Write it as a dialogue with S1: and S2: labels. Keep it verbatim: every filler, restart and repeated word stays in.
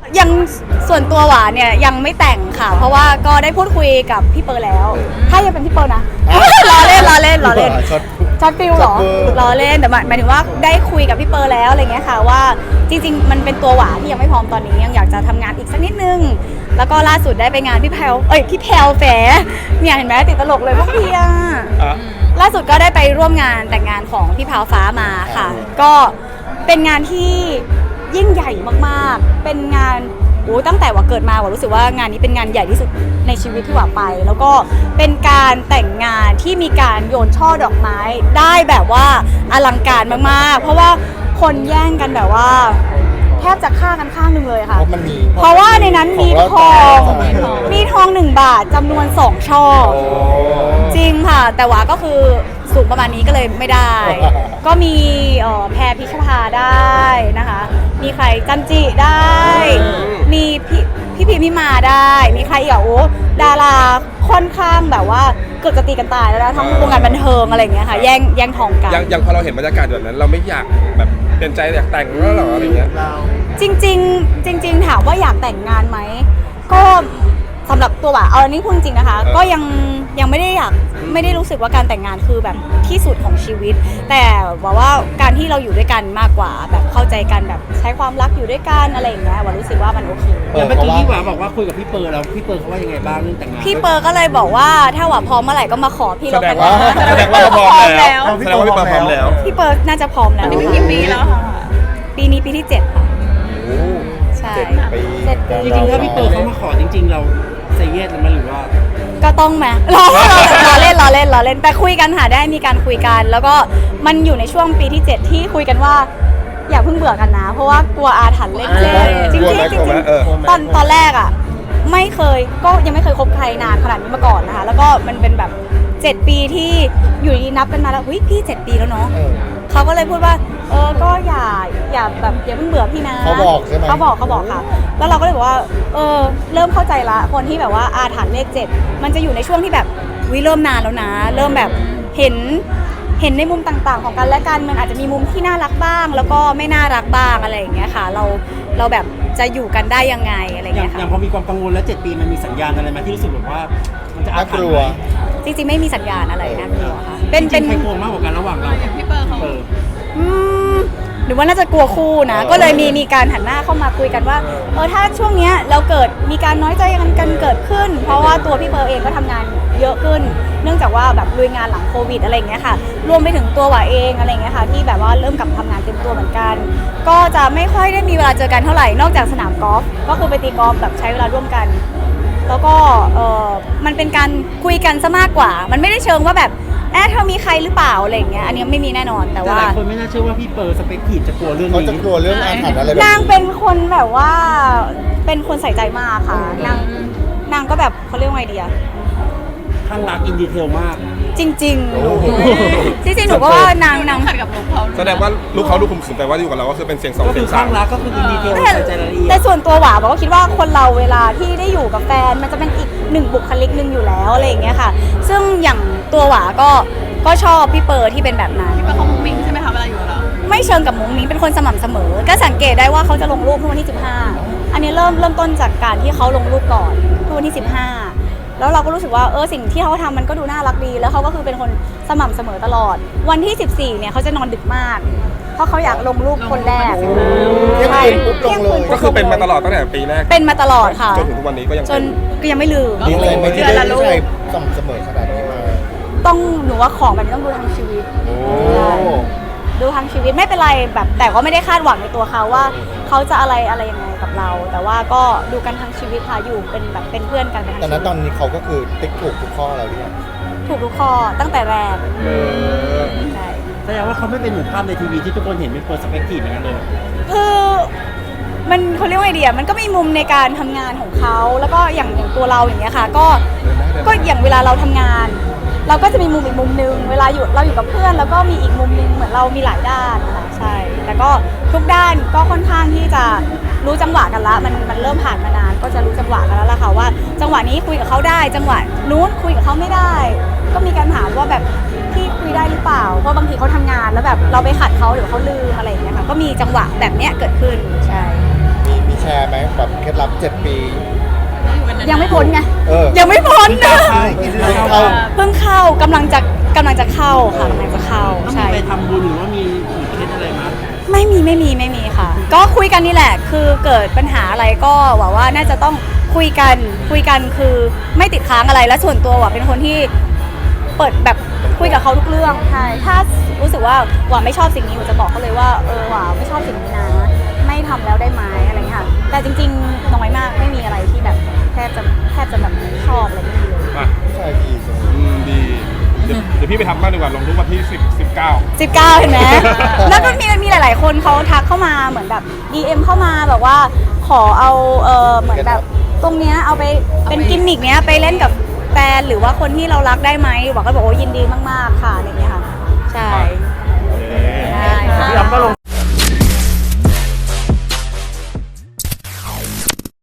S1: ยังส่วนตัวหวานเนี่ยยังไม่แต่งค่ะเพราะว่าก็ได้พูดคุยกับพี่เปอร์แล้วถ้ายังเป็นพี่เปอร์นะล้อเล่นล้อเล่นล้อเล่นช็อตฟิลหรอล้อเล่นแต่หมายถึงว่าได้คุยกับพี่เปอร์แล้วอะไรเงี้ยค่ะว่าจริงๆมันเป็นตัวหวานที่ยังไม่พร้อมตอนนี้ยังอยากจะทำงานอีกสักนิดนึงแล้วก็ล่าสุดได้ไปงานพี่แพลเอ้ยพี่แพลแฝเนี่ยเห็นไหมติดตลกเลยพวกพี่อะล่าสุดก็ได้ไปร่วมงานแต่งงานของพี่แพลฟ้ามาค่ะก็เป็นงานที่ยิ่งใหญ่มากๆเป็นงานโอ้ตั้งแต่ว่าเกิดมาว่ารู้สึกว่างานนี้เป็นงานใหญ่ที่สุดในชีวิตที่ว่าไปแล้วก็เป็นการแต่งงานที่มีการโยนช่อดอกไม้ได้แบบว่าอลังการมากๆเพราะว่าคนแย่งกันแบบว่าแทบจะฆ่ากันข้างหนึ่งเลยค่ะเพราะว่าในนั้นมีทองมีทองหนึ่งบาทจำนวนสองช่อจริงค่ะแต่ว่าก็คือสูงประมาณนี้ก็เลยไม่ได้ก็มีแพรพิชภาได้นะคะมีใครจันจิได้มีพี่พี่พิมพิมาได้มีใครอีกอ่ะโอ้ดาราค่อนข้างแบบว่าเกือบจะตีกันตายแล้วนะทั้งวงการบันเทิงอะไรอย่างเงี้ยค่ะแย่งแย่งทองกัน
S2: ยังพอเราเห็นบรรยากาศแบบนั้นเราไม่อยากแบบเปลี่ยนใจอยากแต่งแล้วหรออะไรเงี้ย
S1: จริงจริงจริงๆถามว่าอยากแต่งงานไหมก็สำหรับตัวบ่าเอาอันนี้พูดจริงนะคะก็ยังยังไม่ได้อยากไม่ได้รู้สึกว่าการแต่งงานคือแบบที่สุดของชีวิตแต่ว่าว่าการที่เราอยู่ด้วยกันมากกว่าแบบเข้าใจกันแบบใช้ความรักอยู่ด้วยกันอะไรอย่างเงี้ยว่ารู้สึกว่ามันโอเค
S3: แต่เมื่อกี้พี่หวาบอกว่าคุยกับพี่เปิร์แล้วพี่เปิร์เขาว่ายังไงบ้างเรื่องแต่งงาน
S1: พี่เปิร์ก็เลยบอกว่าถ้าหวาพร้อมเมื่อไหร่ก็มาขอพี่
S2: แสดง
S1: เราแต่ง
S2: ว่าแสดงว่าเราพร้อมแล้วแสดงว่าพี่เปิร์พร้อมแล้ว
S1: พี่เปิร์น่าจะพร้อมแล้ว
S4: นี่เป็นกี่ปีแล้วค่ะ
S1: ปีนี้ปีที่เจ็ดค่ะใช่เจ็ดปี
S3: จริงๆถ้าพี่เปิร์เขามาขอจริงๆเราเซเยสมันหรือว่า
S1: ก็ต้องไหมรอรอเล่นรอเล่นรอเล่นแต่คุยกันค่ะได้มีการคุยกันแล้วก็มันอยู่ในช่วงปีที่เจ็ดที่คุยกันว่าอย่าเพิ่งเบื่อกันนะเพราะว่ากลัวอาถรรพ์เล่นๆจริงๆจริงๆตอนตอนแรกอ่ะไม่เคยก็ยังไม่เคยคบใครนานขนาดนี้มาก่อนนะคะแล้วก็มันเป็นแบบเจ็ดปีที่อยู่ดีนับกันมาแล้วเฮ้ยพี่เจ็ดปีแล้วเนาะเขาก็เลยพูดว่าเออก็อย่าอย่าแบบอย่าเพิ่งเบื่อพี่นะ
S5: เขาบอกใช่ไหม
S1: เขาบอกเขาบอกค่ะแล้วเราก็เลยบอกว่าเออเริ่มเข้าใจละคนที่แบบว่าอาถรรพ์เลขเจ็ดมันจะอยู่ในช่วงที่แบบวิเริ่มนานแล้วนะเริ่มแบบเห็นเห็นในมุมต่างๆของกันและกันมันอาจจะมีมุมที่น่ารักบ้างแล้วก็ไม่น่ารักบ้างอะไรอย่างเงี้ยค่ะเราเราแบบจะอยู่กันได้ยังไงอะไรเงี้ยค่ะ
S3: อย่างพอมีความกังวลแล้วเจ็ดปีมันมีสัญญาณอะไรมาที่รู้สึกแบบว่ามันจะอาถรรพ์ไหม
S1: จริงๆไม่มีสัญญาณอะไรนะพี่ค่ะเป็น
S3: เป็นใครกลัวมากกว่ากันระหว่างเรา
S4: อย่างพี่เปิร์เขา
S1: หรือว่าน่าจะกลัวคู่นะก็เลยมีมีการหันหน้าเข้ามาคุยกันว่าเออถ้าช่วงเนี้ยเราเกิดมีการน้อยใจกันกันเกิดขึ้นเพราะว่าตัวพี่เปิร์เองก็ทำงานเยอะขึ้นเนื่องจากว่าแบบลุยงานหลังโควิดอะไรอย่างเงี้ยค่ะรวมไปถึงตัวหวาเองอะไรอย่างเงี้ยค่ะที่แบบว่าเริ่มกลับทำงานเต็มตัวเหมือนกันก็จะไม่ค่อยได้มีเวลาเจอกันเท่าไหร่นอกจากสนามกอล์ฟก็คือไปตีกอล์ฟแบบใช้เวลาร่วมกันแล้วก็เออมันเป็นการคุยกันซะมากกว่ามันไม่ได้เชิงว่าแบบแอบเธอมีใครหรือเปล่าอะไรอย่างเงี้ยอันนี้ไม่มีแน่นอนแต่ว่า
S3: หลายคนไม่น่าเชื่อว่าพี่เปิร์สเปคทีฟจะกลัวเรื่องนี้
S5: เขาจะกลัวเรื่องอาถรรพ์อะไรแบบ
S1: นางเป็นคนแบบว่าเป็นคนใส่ใจมากค่ะนางนางก็แบบเขาเรียกว่าไงดีอะ
S3: ข้างรักอินดีเทลมาก
S1: จริงๆจริงๆจริงๆหนูก็ว่านางนาง
S4: ขัดกับลูกเขา
S2: แสดงว่าลูกเขาลูกคุมขืนแต่ว่าอยู่กับเราก็คือเป็นเสียงสอง
S3: เสียงสามข้างรักก็คืออินดีเทลใส่ใจรายละเอียด
S1: แต่ส่วนตัวหวาบอกว่าคิดว่าคนเราเวลาที่ได้อยู่กับแฟนมันจะเป็นอีกหนึ่งบุคลิกหนึ่งอยู่แล้วอะไรอย่างเงี้ยค่ะซึ่งอย่างตัวหวาก็ก็ชอบพี่เปิร์ที่เป็นแบบนั้น
S4: พี่เปิร์เขามุ้งมิ้งใช่ไหมคะเวลาอยู่กับเรา
S1: ไม่เชิงกับมุ้งมิ้งเป็นคนสม่ำเสมอก็สังเกตได้ว่าเขาจะลงรูปทุกวันที่สิบห้าอันนี้เริ่มเริ่มต้นจากการที่เขาลงรูปก่อนทุกวันที่สิบห้าแล้วเราก็รู้สึกว่าเออสิ่งที่เขาทำมันก็ดูน่ารักดีแล้วเขาก็คือเป็นคนสม่ำเสมอตลอดวันที่สิบสี่เนี่ยเขาจะนอนดึกมากเพราะเขาอยากลงรูปคนแรก
S5: ใช่เที่ยงคืน
S2: ก็คือเป็นมาตลอดตั้งแต่ปีแรก
S1: เป็นมาตลอดค่ะ
S2: จนถึงทุกวันนี้ก็ยัง
S1: จนก็ยังไม่ลืม
S5: มีอะไรไม่ที่ได้ผู้ชายสม่ำเสมอขนาดนี้มา
S1: ต้องหนูว่าของแบบนี้ต้องดูทั้งชีวิตดูทั้งชีวิตไม่เป็นไรแบบแต่ก็ไม่ได้คาดหวังในตัวเขาว่าเขาจะอะไรอะไรยังไงกับเราแต่ว่าก็ดูกันทั้งชีวิตค่ะอยู่เป็นแบบเป็นเพื่อนกันเป็น
S5: แต่ณตอนนี้เขาก็คือติ๊กถูกทุกข้อแล้วเนี่ย
S1: ถูกทุกข้อตั้งแต่แรกใช่
S3: แสดงว่าเขาไม่เป็นเหมือนภาพในทีวีที่ทุกคนเห็นเป็นเปอร์สเปกทีฟอย่างนั้นเลย
S1: คือมันเขาเรียกว่าไอเดียมันก็มีมุมในการทำงานของเขาแล้วก็อย่างอย่างตัวเราอย่างเงี้ยค่ะก็ก็อย่างเวลาเราทำงานเราก็จะมีมุมอีกมุมนึงเวลาอยู่เราอยู่กับเพื่อนแล้วก็มีอีกมุมนึงเหมือนเรามีหลายด้านนะคะใช่แต่ก็ทุกด้านก็ค่อนข้างที่จะรู้จังหวะกันละมันมันเริ่มผ่านมานานก็จะรู้จังหวะกันแล้วล่ะค่ะว่าจังหวะนี้คุยกับเขาได้จังหวะนู้นคุยกับเขาไม่ได้ก็มีการถามว่าแบบพี่คุยได้หรือเปล่าเพราะบางทีเขาทำงานแล้วแบบเราไปขัดเขาหรือเขาลืมอะไรอย่างเงี้ยค่ะก็มีจังหวะแบบเนี้ยเกิดขึ้นใช่
S5: มีมีแชร์ไหมแบบเคล็ดลับเจ็ดปี
S1: ยังไม่พ้นไง
S5: เออ
S1: ยังไม่พ้นนะ
S3: ใช่
S5: เข้า
S1: เพิ่งเข้ากำลังจะกำลังจะเข้าค่ะกำลังจะเข้า
S3: ต้องมี
S1: ใช่
S3: ไปทำบุญหรือว่ามีเคล็ดอะไรมา
S1: ไม่มีไม่มีไม่มีค่ะ ก็คุยกันนี่แหละ คือเกิดปัญหาอะไรก็หวังว่าน่าจะต้องคุยกันคุยกันคือไม่ติดค้างอะไรและส่วนตัวหว่าเป็นคนที่เปิดแบบคุยกับเขาทุกเรื่องใช่ถ้ารู้สึกว่าหว่าไม่ชอบสิ่งนี้หว่าจะบอกเขาเลยว่าเออหว่าไม่ชอบสิ่งนี้นะไม่ทำแล้วได้ไหมอะไรเงี้ยค่ะแต่จริงๆน้อยมากไม่มีอะไรที่แบบแทบจะแทบจะแบบชอบอะไรไม่มีเลย
S2: อ่ะ
S5: ผู้ชายดีจังเลย
S2: อืมดีเดี๋ยวเดี๋ยวพี่ไปทำบ้างดีกว่าลงทุกวันที่สิบ สิบเก้า
S1: สิบเก้าเห็นไหม แล้วก็มีมีหลาย ๆ คนเขาทักเข้ามาเหมือนแบบ ดี เอ็ม เข้ามาแบบว่าขอเอาเออเหมือนแบบตรงเนี้ยเอาไปเป็นกิมมิกเนี้ยไปเล่นกับแฟนหรือว่าคนที่เรารักได้ไหมบอกก็บอกว่ายินดีมาก ๆ ค่ะอะไรเงี้ยค่ะ ใช่
S2: เย้
S1: ได้ค่ะ
S3: พี่อ๊อฟก็ลง